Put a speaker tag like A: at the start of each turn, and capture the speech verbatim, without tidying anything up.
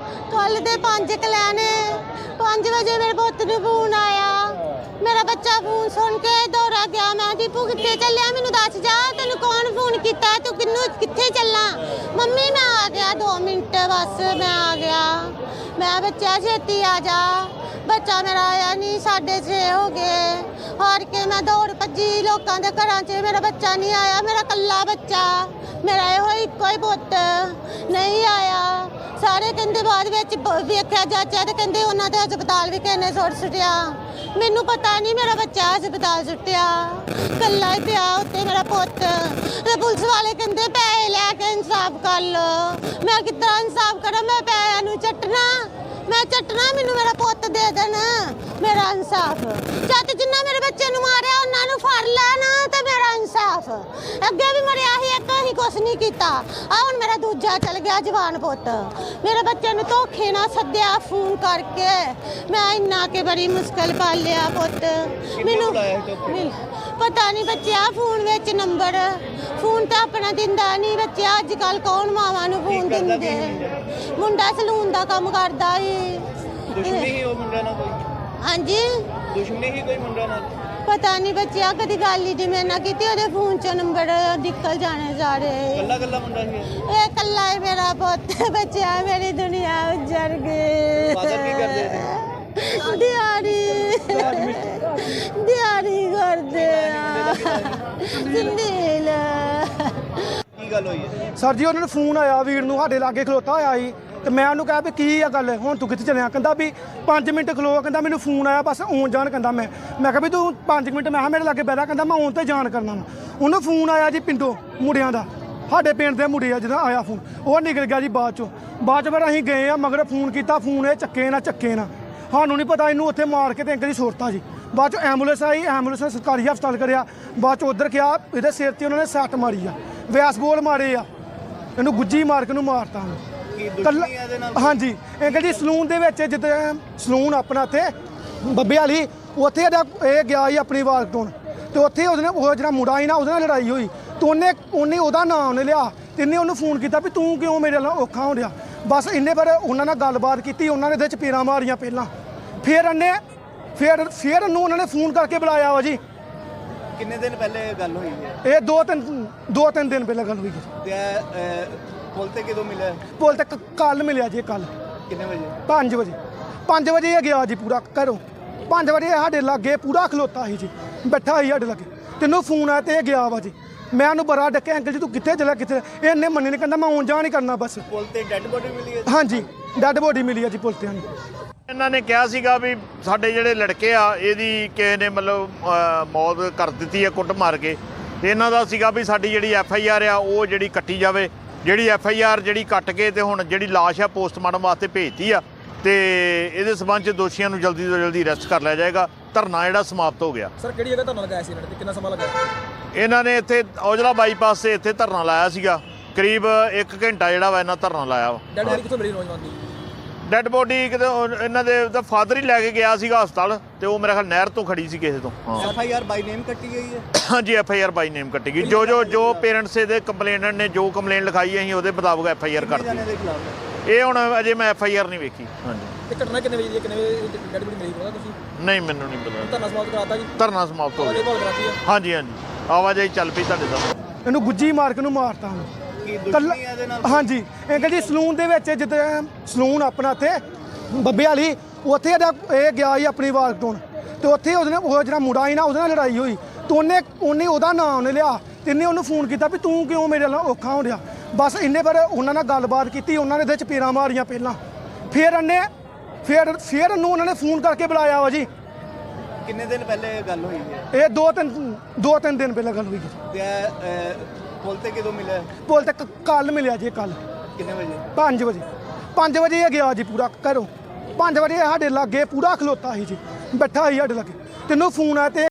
A: कल दे पांच कलैने पांच बजे मेरे पुत्त नूं फोन आया। मेरा बच्चा फोन सुन के दौड़ा गया। मैं दीपू कित्थे चलिया मैनूं दस जा तैनूं कौन फोन कीता तू किन्नू कित्थे चलना। मम्मी मैं आ गया दो मिनट बस मैं आ गया। मैं बच्चा छेती आ जा। बच्चा मेरा आया नहीं साढ़े छे हो गए। हार के मैं दौड़ भजी लोगों के घर च मेरा बच्चा नहीं आया। मेरा कल्ला बच्चा मेरा यो इको ही पुत्त नहीं आया। सारे कहते बाद वेख्या जाचा तो कहते उन्होंने हस्पताल भी किसी ने सुट सुटिया। मैनू पता नहीं मेरा बच्चा हस्पताल सुटिया कल्ला ही पिया उत्ते मेरा पुत्त। पुलिस वाले कहते पैसे लैके इंसाफ कर लो। मैं कितना इंसाफ करा। मैं पैसों चट्टना मैं चट्टना मैनू मेरा पुत्त दे देना मेरा इंसाफ। जद जिन्ना मेरे बच्चे नूं मारिया उन्होंने फड़ लेना तो मेरा इंसाफ। अगे भी मरिया ही एक ही कुछ नहीं किया। आ हुण मेरा दूजा चल गया जवान पुत्त। मेरे बच्चे नूं धोखे ना सद्दिया फोन करके। मैं इन्ना के बड़ी मुश्किल पालिया पुत्त। मैनू पता नहीं बच्चा फोन विच नंबर फोन तो अपना दिंदा नहीं। बच्चे अजकल कौन मावां नूं फोन दिंदे। मुंडा सलून का काम करदा ही।
B: दुश्मनी ही वो मुंडा ना कोई।
A: हाँ जी
B: दुश्मनी ही कोई मुंडा ना।
A: पता नहीं बच्चा कभी गल ही जी मेरे की ओदे फोन चो नंबर निकल जाने सारे।
B: कल्ला कल्ला मुंडा ही
A: ए कल्ला है मेरा पुत्त। बच्चा मेरी दुनिया उजड़ गई।
B: फादर की कर दे थे
A: दिहाड़ी दिहाड़ी कर दे जिंदील
B: की गल होई है
C: सर जी उन्होंने फोन आया वीर नूं साडे लागे खलोता होया ही ते मैं उन्होंने कहा भी की आ गल हुण तू कित्थे चलिया। कहंदा भी पाँच मिनट खलो। कहंदा मैनूं फोन आया बस आउण जाण। कहंदा मैं मैं कहा भी तू पाँच मिनट मैं मेरे लागे बैठा। कहंदा मैं आउण ते जाण करना वा। उन्होंने फोन आया जी पिंडों मुंडियां दा साडे पिंड दे मुंडे आ जिदा आया फोन वो निकल गया जी बाद चों। बाद च फिर असीं गए आ मगर फोन कीता फोन ये चक्के ना चक्के ना सानूं नहीं पता इनू उत्थे मार के ते अंकल जी सुरता जी। बाद चों एंबूलेंस आई एंबूलेंस ने सरकारी हस्पताल करिया। बाद चों उधर गया इहदे सिर ते उन्होंने सੱਟ मारी आ वैस बोल मारे आ इनू गुज्जी मार के मारता कल्ला। हाँ जी अंकल जी सलून दे विच जिद्दां सलून अपना इत्थे बब्बे वाली उत्थे ये गया ही अपनी वाल टोन ते उत्थे उहदे ओह जिहड़ा मुंडा ही ना उहदे नाल लड़ाई होई ते उन्हें उन्हें ओहदा नाम उन्हें लिया ते इन्ने उहनूं फोन कीता भी तू क्यों मेरे नाल औखा हो रिहा। बस इन्ने पर उन्हां नाल गलबात कीती उन्होंने इहदे चपेड़ां मारियां पहलां फिर इन्ने फिर फिर इन्हूं उन्होंने फोन करके बुलाया वा जी।
B: किन्ने दिन पहले गल हुई है
C: ये दो तीन दो तीन दिन पहले गल हुई है।
B: ते पुल ते कदों मिले
C: पुल ते कल मिलिया जी कल
B: किन्ने बजे
C: पाँच बजे पाँच बजे ये गया जी पूरा घरों पाँच बजे साढ़े लागे पूरा खलोता ही जी बैठा ही साढ़े लागे तेनों फोन आया तो ये गया वा जी। मैं उन्होंने बड़ा डके अंकल जी तू कित्थे चलिया कित्थे इन्हें मन्नी नहीं कहता मैं आउण जाण ही करना बस।
B: पुल ते डेड बॉडी मिली है
C: हाँ जी डेड बॉडी मिली है जी पुल ते।
D: ਇਹਨਾਂ ਨੇ ਕਿਹਾ ਸੀਗਾ ਵੀ ਸਾਡੇ ਜਿਹੜੇ ਲੜਕੇ ਆ ਇਹਦੀ ਕਿਸੇ ਨੇ ਮਤਲਬ ਮੌਤ ਕਰ ਦਿੱਤੀ ਹੈ ਕੁੱਟ ਮਾਰ ਕੇ ਤੇ ਇਹਨਾਂ ਦਾ ਸੀਗਾ ਵੀ ਸਾਡੀ ਜਿਹੜੀ ਐਫ ਆਈ ਆਰ ਆ ਉਹ ਜਿਹੜੀ ਕੱਟੀ ਜਾਵੇ। ਜਿਹੜੀ ਐਫ ਆਈ ਆਰ ਜਿਹੜੀ ਕੱਟ ਕੇ ਤੇ ਹੁਣ ਜਿਹੜੀ ਲਾਸ਼ ਆ ਪੋਸਟਮਾਰਟਮ ਵਾਸਤੇ ਭੇਜਤੀ ਆ ਤੇ ਇਹਦੇ ਸਬੰਧ 'ਚ ਦੋਸ਼ੀਆਂ ਨੂੰ ਜਲਦੀ ਤੋਂ ਜਲਦੀ ਅਰੈਸਟ ਕਰ ਲਿਆ ਜਾਏਗਾ। ਧਰਨਾ ਜਿਹੜਾ ਸਮਾਪਤ ਹੋ ਗਿਆ।
E: ਸਰ ਕਿਹੜੀ ਜਗ੍ਹਾ ਧਰਨਾ ਲਗਾਇਆ ਸੀ ਇਹਨਾਂ ਨੇ ਕਿੰਨਾ ਸਮਾਂ ਲਗਾਇਆ?
D: ਇਹਨਾਂ ਨੇ ਇੱਥੇ ਔਜਲਾ ਬਾਈਪਾਸ ਤੇ ਇੱਥੇ ਧਰਨਾ ਲਾਇਆ ਸੀਗਾ ਕਰੀਬ ਇੱਕ ਘੰਟਾ ਜਿਹੜਾ ਵਾ ਇਹਨਾਂ ਧਰਨਾ ਲਾਇਆ ਵਾ।
E: ਡੈਡ ਬੋਡੀ ਕਿੱਥੋਂ ਮਿਲੀ ਨੌਜਵਾਨ ਦੀ?
D: ਡੈਡ ਬੋਡੀ ਕਿਤੇ ਇਹਨਾਂ ਦੇ ਦਾ ਫਾਦਰ ਹੀ ਲੈ ਕੇ ਗਿਆ ਸੀਗਾ ਹਸਪਤਾਲ ਤੇ ਉਹ ਮੇਰੇ ਖਿਆਲ ਨਹਿਰ ਤੋਂ ਖੜੀ ਸੀ ਕਿਸੇ ਤੋਂ। ਹਾਂ
B: F I R by name कट्टी गई है
D: ਹਾਂਜੀ ਐਫ ਆਈ ਆਰ ਬਾਈ ਨੇਮ ਕੱਟੀ ਗਈ। ਜੋ ਜੋ ਜੋ ਪੇਰੈਂਟਸ ਦੇ ਕੰਪਲੇਨਟ ਨੇ ਜੋ ਕੰਪਲੇਨ ਲਿਖਾਈ ਅਸੀਂ ਉਹਦੇ ਮੁਤਾਬਕ ਐਫ ਆਈ ਆਰ
B: कितने जाने
D: ਕਰਤੀ।
B: के खिलाफ है
D: ਇਹ ਹੁਣ ਅਜੇ ਮੈਂ ਐਫ ਆਈ ਆਰ ਨਹੀਂ ਵੇਖੀ। ਹਾਂਜੀ
E: ਇਹ ਘਟਨਾ ਕਿੰਨੇ ਵਜੇ ਦੀ ਹੈ? ਕਿੰਨੇ ਵਜੇ ਡੈਡ ਬੋਡੀ ਮਿਲੀ ਪਤਾ ਤੁਸੀਂ?
D: ਨਹੀਂ ਮੈਨੂੰ ਨਹੀਂ ਪਤਾ।
E: ਧਰਨਾ ਸਮਾਪਤ ਕਰਾਤਾ ਜੀ?
D: ਧਰਨਾ ਸਮਾਪਤ ਹੋ
E: ਆਵਾਜਾਈ
D: ਗਿਆ।
E: ਭਾਲ ਕਰਾਤੀ ਹੈ?
D: ਹਾਂਜੀ ਹਾਂਜੀ ਆਵਾਜਾਈ ਚੱਲ ਪਈ ਤੁਹਾਡੇ ਸਾਹਮਣੇ।
C: ਇਹਨੂੰ ਗੁੱਜੀ ਮਾਰ ਕੇ ਮਾਰਤਾ
B: की
C: कल्ला।
B: दुश्मनी है दे नाल
C: हाँ जी अंकल जी सलून दे विच जिद्दां सलून अपना इत्थे बब्बे वाली उत्थे ये गया ही अपनी वाल टोन ते उत्थे उहदे ओह जिहड़ा मुंडा ही ना उहदे नाल लड़ाई होई ते उन्हें उन्हें ओहदा नाम उन्हें लिया ते इन्ने उहनूं फोन कीता भी तू क्यों मेरे नाल औखा हो रिहा। बस इन्ने पर उन्हां नाल गलबात कीती उन्होंने इहदे चपेड़ां मारियां पहलां फिर इन्ने फिर फिर इन्हूं उन्होंने फोन करके बुलाया वा जी।
B: किन्ने दिन पहले गल हुई है
C: ये दो तीन दो तीन दिन पहले गल हुई है।
B: ते पुल ते कदों मिले
C: पुल ते कल मिलिया जी कल
B: किन्ने बजे
C: पाँच बजे पाँच बजे ये गया जी पूरा घरों पाँच बजे साढ़े लागे पूरा खलोता ही जी बैठा ही साढ़े लागे तेनों फोन आया तो